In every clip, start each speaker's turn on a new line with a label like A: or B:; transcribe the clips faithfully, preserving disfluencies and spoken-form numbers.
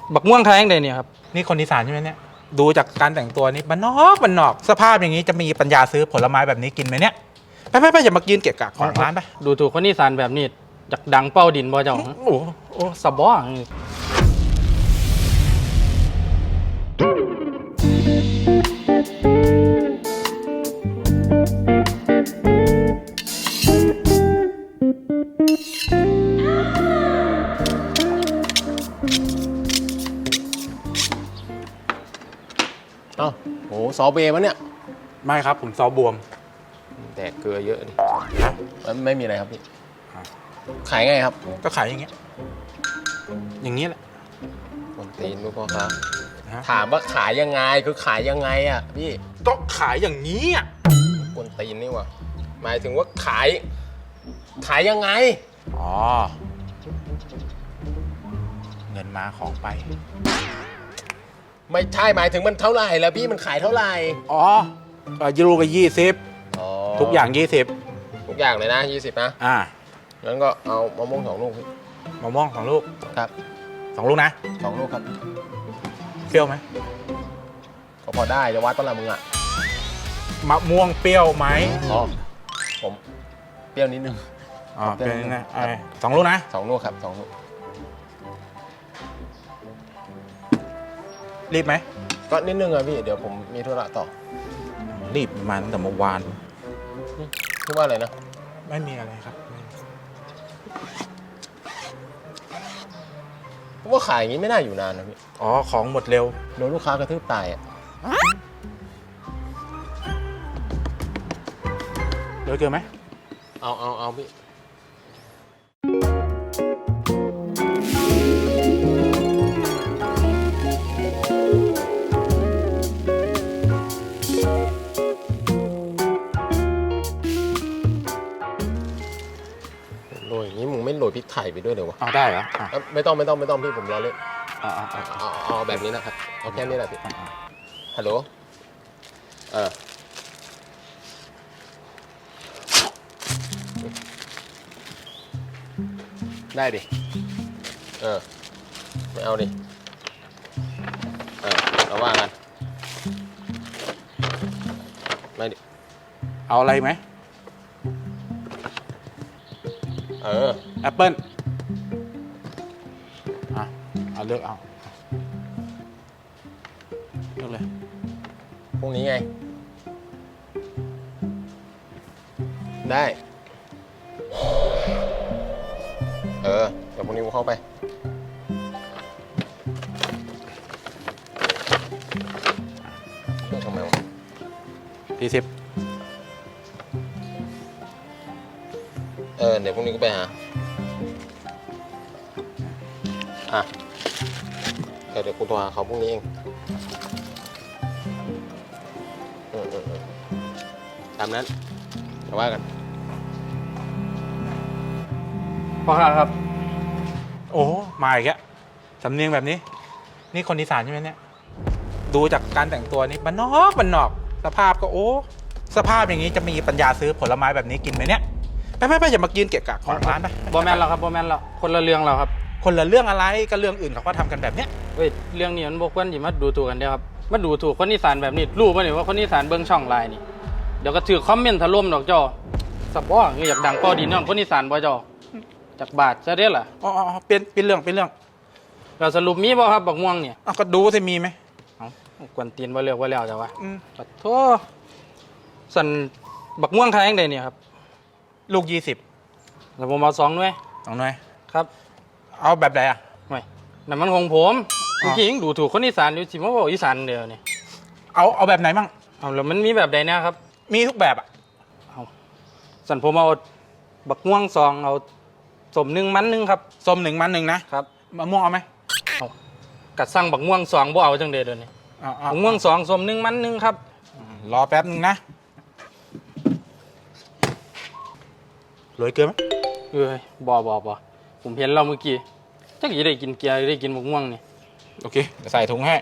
A: บักม่วงไทยยังไงเนี่ยครับ
B: นี่คนอีสานใช่ไหมเนี่ยดูจากการแต่งตัวนี่บ้านนอกบ้านนอกสภาพอย่างนี้จะมีปัญญาซื้อผลไม้แบบนี้กินไหมเนี่ยไปไปไปอย่ามากินเกะกะของร้านไป
A: ดูถูกคนอีสานแบบนี้จากดังเป้าดินบ่เจ้า
B: โอ้
A: โอ้สบอ
C: อ้าวโหซอเบย์มั้เนี่ย
B: ไม่ครับผมซอบวม
C: แดกเกลือเยอะดิไม่มีอะไรครับพี่ขายไงครับ
B: ก็ขายอย่างเงี้ยอย่างนี้แหละ
C: คนตีนลูกพ่อครับถามว่าขายยังไงคือขายยังไงอ่ะพี่
B: ก็ขายอย่างนี้อ่ะ
C: คนตีนนี่วะหมายถึงว่าขายขายยังไง
B: อ๋อเงินมาของไป
C: ไม่ใช่หมายถึงมันเท่าไหร่แล้วพี่มันขายเท่าไหร่
B: อ๋อยูโรไปยี่สิบทุกอย่างยี่สิบ
C: ทุกอย่างเลยนะยี่สิบนะ
B: อ่า
C: งั้นก็เอามะม่วงสองลูกพี่
B: มะม่วงสองลูก
C: ครับ
B: สองลูกนะ
C: สองลูกครับ
B: เปรี้ยวไหม
C: ก็พอได้จะวัดต้นละมึงอ่ะ
B: มะม่วงเปรี้ยวไหม
C: อ๋อผมเปรี้ยวนิดนึง
B: อ๋อเปรี้ยวนิดนึงสองลูกนะ
C: สองลูกครับสองลูก
B: รีบไหม
C: ก็นิดนึงอะพี่เดี๋ยวผมมีธุระต่อ
B: รีบมาตั้งแต่เมื่อวาน
C: คิดว่าอะไรนะ
B: ไม่มีอะไรครับ
C: เพราะว่าขายอย่างนี้ไม่น่าอยู่นานนะพี่
B: อ๋อของหมดเร็ว
C: โดนลูกค้ากระทืบตายอะ
B: เดี๋ยวเจอไหม
C: เอาเอาเอาพี่โรยอย่างนี้มึงไม่โรยพริกไทยไปด้วยเลยวะ
B: อ๋อได้เหรอ
C: ไม่ต้องไม่ต้องไม่ต้องพี่ผมรอเล่น
B: อ๋อ
C: เอาเอาแบบนี้นะครับเอาแค่นี้แหละพี่ฮัลโหลเออได้ดิเออไม่เอาดิเออเราว่ากันไม่ดิ
B: เอาอะไรไหม
C: เออ
B: แอปเปิ้ลอ่ะเอาเลือกเอาเลือกเลย
C: พรุ่งนี้ไงได้เออเดี๋ยวพรุ่งนี้กูเข้าไปเลือกทำไมวะ
B: สี่สิบ
C: เออเดี๋ยวพรุ่งนี้กูไปหาอ่ะเดี๋ยวเดี๋ยวกูโทรหาเขาพรุ่งนี้เองเออเออตามนั้นมาว่ากัน
A: พ่อครับ
B: โอ้มาอีกแล้วสำเนียงแบบนี้นี่คนอีสานใช่ไหมเนี่ยดูจากการแต่งตัวนี่บ้านนอกบ้านนอกสภาพก็โอ้สภาพอย่างนี้จะมีปัญญาซื้อผลไม้แบบนี้กินไหมเนี่ยไปไปไปอย่ามากินเกะกะของร้านไป
A: บอแมนเราครับบอแมนเราคนละเรื่องเราครับ
B: คนละเรื่องอะไรก็เรื่องอื่นเขาก็ทำกันแบบเนี้ย
A: เฮ้ยเรื่องนี้มันบกวนอยู่มาดูถูกกันเดียวครับมาดูถูกคนอีสานแบบนี้รู้ป่ะเนี่ยว่าคนอีสานเบิ้งช่องไลน์นี่เดี๋ยวก็ถือคอมเมนต์ถล่มดอกจ้อสับว่าอยากดังเป้าดินน้องคนอีสานบ่จ้อจากบาทจะได้ล่ะ
B: อ๋อเปลี่ยนเปลี่ยนเรื่องเปลี่ยนเรื่อง
A: เราสรุปมีบ่ครับบักม่วงเนี่ย
B: ก็ดูสิมีไหม
A: เอากวนตีนว่าเลือกว่าแล้วจ้ะวะ
B: อืม
A: ปัดโทสันบักม่วงไทยยังไงเนี่ยครับ
B: ลูกยี่สิบ
A: แล้วผมเอาสองหน่วย
B: สองหน่วย
A: ครับ
B: เอาแบบไหนอ่ะ
A: ไม่นั่นมันของผมเมื่อกี้ยังดูถูกคนอีสานอยู่สิมาบอกอีสานเดียวนี่
B: เอาเอาแบบไหนบ้าง
A: เอาแล้วมันมีแบบใดนะครับ
B: มีทุกแบบอ่ะ
A: เอาสันผมเอาบักม่วงสองเอาสมหนึ่งมันหนึ่งครับ
B: ส้มหนึ่งมันหนึ่งนะครับมะม่วงเอาไหม
A: เอากัดสั่งบักม่วงสองบ่เอาจังเดียวเดี๋ยวนี้บักม่วงสองสมหนึ่งมันหนึ่งครับ
B: รอแป๊บนึงนะโรยเกลือไหม
A: เอ้ยบ่บ่บ่ผมเห็นเราเมื่อกี้จักยี่ได้กินเกลือได้กินบักม่วงนี่
B: โอเคใส่ถุงให้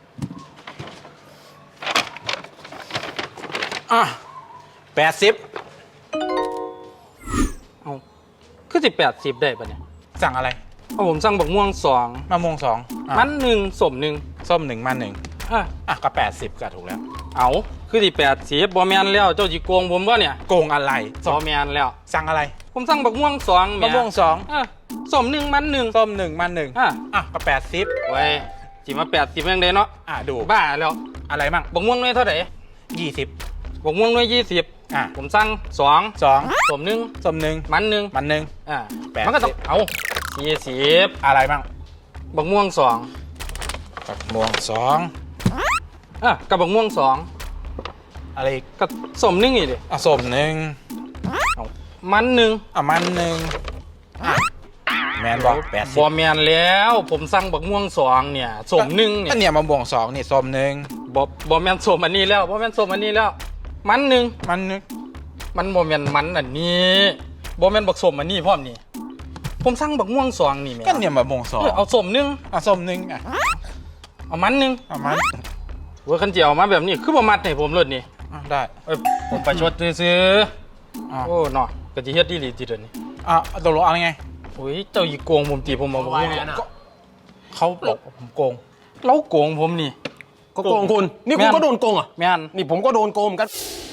B: อ่ะแปดสิบ
A: เอาคือสิบแปดสิบได้ปะเนี่ย
B: สั่งอะไร
A: เพราะผมสั่งบักม่วงสอง
B: มะม่วงสองอ่ะ
A: มันหนึ่งสมหนึ่ง
B: ส้มหนึ่งมันหนึ่ง
A: อ่ะ
B: อ่ะก็แปดสิบก็ถูกแล้ว
A: เอาคือที่แปดสิบบอแมนแล้วเจ้าจีโกงผมบ่เนี่ย
B: โกงอะไร
A: บอแมนแล้ว
B: สั่งอะไร
A: ผมสั่งบักม่วงสองแห
B: มะม่วงสอง
A: อ่ะสมหนึ่งมันหนึ่ง
B: ส้มหนึ่งมันหนึ่ง
A: อ่ะ
B: อ่ะก็แปดสิบ
A: ไว้จีมาแปดสิบยังไงเนาะ
B: อ่ะดู
A: บ้าแล้ว
B: อะไรมั่ง
A: บักม่วงน้อยเท่าไหร่
B: ยี่สิบ
A: บักม่วงน้อยยี่สิบ
B: อ่ะ
A: ผมสั่งสอง
B: สอง
A: สมหนึ่ง
B: ส้มหนึ่ง
A: มันหนึ่ง
B: มันหนึ่ง
A: อ่ะ
B: แปดสิบ
A: มันก็ต้องเอายี่สิบ
B: อะไรมั่ง
A: บักม่วงสอง
B: กับม่วงสอง
A: อ่ะกับบักม่วงสอง
B: อะไรอีก
A: กับสมหนึ่งอีกดิ
B: อ่ะส้มหนึ่ง
A: เอามันหนึ่ง
B: อ่ะมันหนึ่งอ่ะแมนบอกแปดสิ
A: บบ อแมนแล้วผมสั่งบักม่วงสองเนี่ยสมหนึ่งเนี่
B: ก็
A: ย
B: เนี่ยมะม่วงสองนี่ส้มหนึ่ง
A: บอบอแมนสมอันนี้แล้วบอแมนสมอันนี้แล้ว มันหนึ่ง
B: มันหนึ่ง
A: มันบอแมนมันอันนี้บอแมนบักสมอันนี้พร้อมนี่ผมสั่งบักม่วงสองนี่แม่
B: ก็เนี่ยมะม่วงสอง
A: เออเอาสมหนึ่ง
B: อ่ะส้มหนึ่งอ่ะ
A: เอามันหนึ่ง
B: อ่ะมัน
A: เวอร์คันเจียวมาแบบนี้คือบ่มัดให้ผมเลยนี่
B: อ่ะได้
A: เอ้ยผมไปชดซื้อ
B: อ่ะ
A: ๆโอ้เนาะกะจิเฮ็ดดีหลีจิเดยวนี้
B: อ่ะตกลงเอาไง
A: โอ้ยเจ้าอีโกงผมตีผมมาบอกว่า
B: ก็เขาบอกผมโกง
A: เราโกงผมนี่
C: ก็โกงคุณ นี่คุณ
A: แม่น
C: ก็โดนโกงอ่ะ
A: แม่น
C: นี่ผมก็โดนโกงเหมือนกัน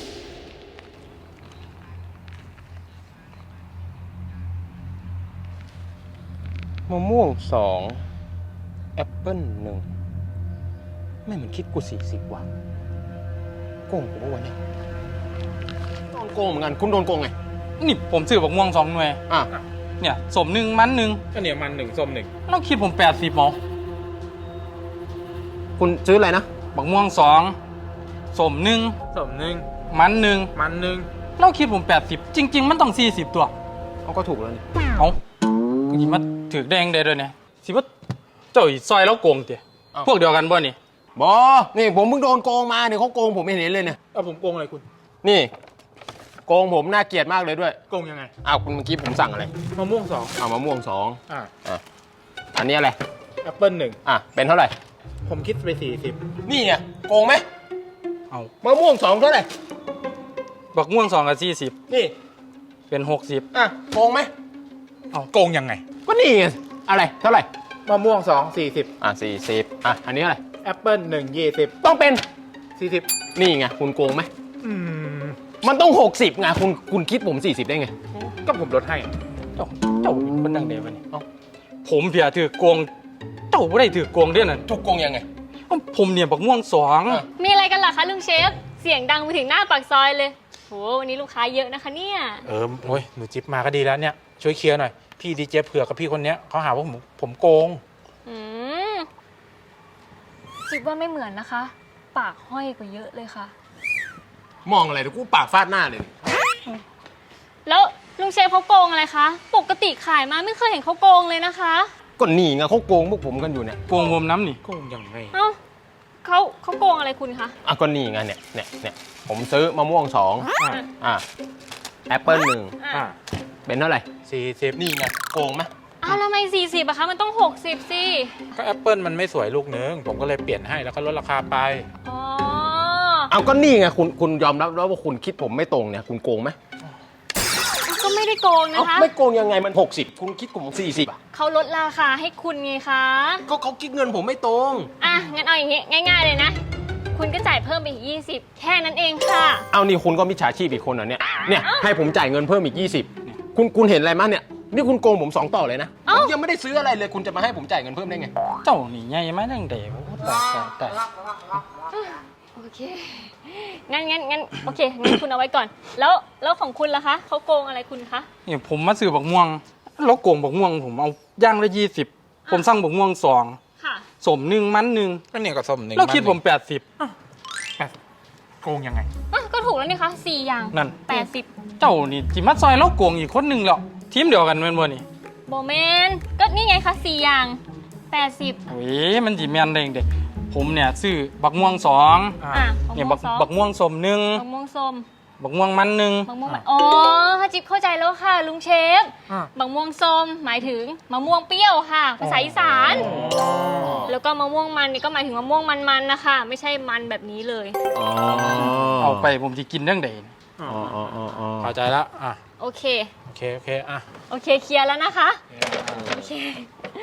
C: มะม่วงสองแอปเปิ้ลหนึ่งไม่เหมือนคิดกูสี่สิบว่ะโกงผมว่าวันนี้โดนโกงเหมือนกัน คุณโดนโกงไง
A: นี่ผมซื้อบักม่วงสองหน่วย
C: อ่ะ
A: เนี่ยสมหนึ่งมันหนึ่ง
B: ก็เนี่ยมันหนึ่งส้มหนึ่ง
A: เราคิดผมแปดสิบหมอ
C: คุณซื้ออะไรนะ
A: บักม่วงสองสมหนึ่ง
B: ส้มหนึ่ง
A: มันหนึ่ง
B: มันหนึ่ง
A: เราคิดผมแปดสิบจริง ๆ มันต้องสี่สิบตัว
C: เอาก็ถูกแล้วนี่
A: เอาสิมาถือแดงได้ด้วยเนี่ยสิว่าเจ้าอีซอยแล้วโกงเตี๋ยพวกเดียวกันบ่นี่
C: บอนี่ผมเพิ่งโดนโกงมาเนี่ยเขาโกงผมไม่เห็นเลยเนี่ย
B: เอาผมโกงอะไรคุณ
C: นี่ โกงผมน่าเกลียดมากเลยด้วย
B: โกงยังไง
C: อ้าวคุณเมื่อกี้ผมสั่งอะไร
B: มะม่วงสอง
C: เอามะม่วงสอง
B: อ่ะ
C: อ่ะอันนี้อะไร
B: แอปเปิ้ลหนึ่ง
C: อ่ะเป็นเท่าไหร่
B: ผมคิดไปสี่สิบ
C: นี่ไงโกงไหม
A: เอา
C: มะม่วงสองเท่าไหร่
A: บักม่วงสองกับสี่สิบ
C: นี่
A: เป็นหกสิบ
C: อ่ะโกงไหม
B: โกงยังไง
C: ก็นี่ไงอะไรเท่าไหร่
B: มะม่วงสองสี่สิบ
C: อ่ะสี่สิบอ่ะอันนี้เท่าไหร่
B: แอปเปิ้ลหนึ่งยี่สิบ
C: ต้องเป็น
B: สี่สิบ
C: นี่ไงคุณโกงไหม
B: อืม
C: มันต้องหกสิบไงคุณคุณคิดผมสี่สิบได้ไง
B: ก็ผมลดให้
A: เจ้าเจ้าเป็นคนดังเดียวนี่เอ้าผมเพียถือโกงเจ้าไม่ได้ถือโกงเด้วยนั่น
C: ถูกโกงยังไง
A: เอ้าผมเนี่ยบักม่วงสอง
C: อ่ะ
D: มีอะไรกันล่ะคะลุงเชฟ เสียงดังไปถึงหน้าปากซอยเลยโหวันนี้ลูกค้าเยอะนะคะเนี่ย
B: เออโอ้ยหนูจิ๊บมาก็ดีแล้วเนี่ย ช่วยเคลียร์หน่อย พี่ดีเจเผือกกับพี่คนเนี้ยเขาหาว่าผมผมโกง
D: อืมจิบว่าไม่เหมือนนะคะ ปากห้อยกว่าเยอะเลยค่ะ
C: มองอะไรเดี๋ยวกูปากฟาดหน้าเลย
D: แล้วลุงเชฟเขาโกงอะไรคะ ปกติขายมาไม่เคยเห็นเขาโกงเลยนะคะ
C: ก็นี่ไงเขาโกงพวกผมกันอยู่เนี่ย
A: โกงผมน้ำนี่
B: โกงยังไง
D: เอ้าเขาเขาโกงอะไรคุณคะ
C: อ่ะก็นี่ไงเนี่ยเนี่ยเนี่ยผมซื้อมะม่วงสอง
B: อ่ะ
C: อ่ะแอปเปิ้ลหนึ่ง
B: อ่ะ
C: เป็นเท่าไหร่
B: สี่สิบ
C: นี่ไงโกงไหม
D: อ้าวแล้วทำไมสี่สิบอะคะ มันต้องหกสิบสิ
B: ก็แอปเปิ้ลมันไม่สวยลูกนึง ผมก็เลยเปลี่ยนให้แล้วก็ลดราคาไป
D: อ๋อ
C: เอาก็นี่ไงคุณคุณยอมรับแล้วว่าคุณคิดผมไม่ตรงเนี่ยคุณโกงไหม
D: ก็ไม่ได้โกงนะ
C: เอ้า
D: คะ
C: ไม่โกงยังไงมันหกสิบคุณคิดผมสี่สิบอ่ะ
D: เขาลดราคาให้คุณไงคะ
C: ก็เขาคิดเงินผมไม่ตรง
D: อ่ะ งั้นเอาอย่างงี้ง่ายๆเลยนะ คุณก็จ่ายเพิ่มไปอีกยี่สิบแค่นั้นเองค่ะ
C: เอานี่คุณก็มิจฉาชีพอีกคนเหรอเนี่ยเนี่ยให้ผมจ่ายเงินเพิ่มอีกยี่สิบคุณคุณเห็นอะไรมั้ยเนี่ยนี่คุณโกงผมสองต่อเลยนะผ
D: เอ้า
C: มยังไม่ได้ซื้ออะไรเลยคุณจะมาให้ผมจ่ายเงินเพิ่มได้ไง
A: เจ้านี่ใหญ่ไหมดังเดียวโอ้ตายตายตาย
D: โอเค งั้นงั้นงั้นโอเค งั้นคุณเอาไว้ก่อน แล้วแล้วของคุณล่ะคะ เขาโกงอะไรคุณคะ
A: นี่ผมมาซื้อบักม่วงแล้วโกงบักม่วงผมเอาย่างละยี่สิบผมสั่งบักม่วงสอง
D: ค่ะ
A: สมหนึ่งมันหนึ่ง
B: ก็เนี่ยก็ส้มหนึ่ง
A: แล้วคิดผมแปดสิบ
B: โกงยังไง
D: อ่ะ ก็ถูกแล้วนี่คะสี่อย่าง
A: นั่น
D: แปดสิบ
A: เจ้านี่จิมาซอยแล้วโกงอีกคนหนึ่งแล้วทีมเดียวกันแม่นบ่นี่
D: โบเมนก็นี่ไงคะสี่อย่างแปดสิบ
A: โอ้ยมันจิแม่นได้เด็กผมเนี่ยซื้อบักม่วงสอง
B: อ่ะ
D: อ่ะ
A: เนี่ย
D: มะ
A: บัก
D: ม่วงสอง
A: บักม่วงสมหนึ่ง
D: มะม่วงส้ม
A: บักม่วงมันหนึ่ง
D: มะม่วงมันอ๋อจิ๊บเข้าใจแล้วค่ะ ลุงเชฟ
B: อ่ะ
D: มะม่วงส้มหมายถึงมะม่วงเปรี้ยวค่ะ ภาษาอีสาน แล้วก็มะม่วงมันนี่ก็หมายถึงมะม่วงมันๆนะคะ ไม่ใช่มันแบบนี้เลย
C: อ๋อ
A: เอาไปผมจะกินเรื่องใด
C: อ๋ออ๋ออ๋ออ๋อ
B: เข้าใจแล้วอ่ะ
D: โอเค
B: โอเคโอเคอ่ะ
D: โอเคเคลียร์แล้วนะคะ โอเค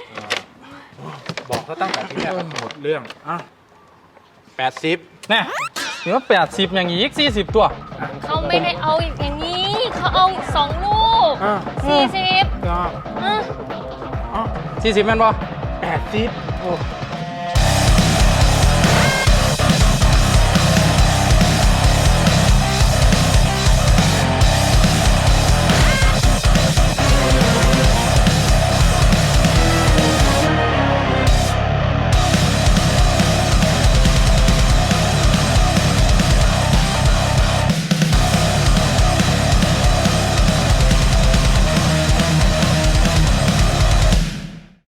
B: บอกเขาตั้งแต่ที่แรกหมดเรื่องอ่ะแปดสิบ
A: แน่นี่ว่าแปดสิบอย่างอีกสี่สิบตัว
D: เขาไม่ได้เอาอย่างนี้ เขาเอาสองลูก
B: อ่ะ
D: สี่สิบ
B: ก็
D: อ่ะ
B: อ่ะ
A: สี่สิบแม่นบ่
B: แปดสิบ
A: โอ้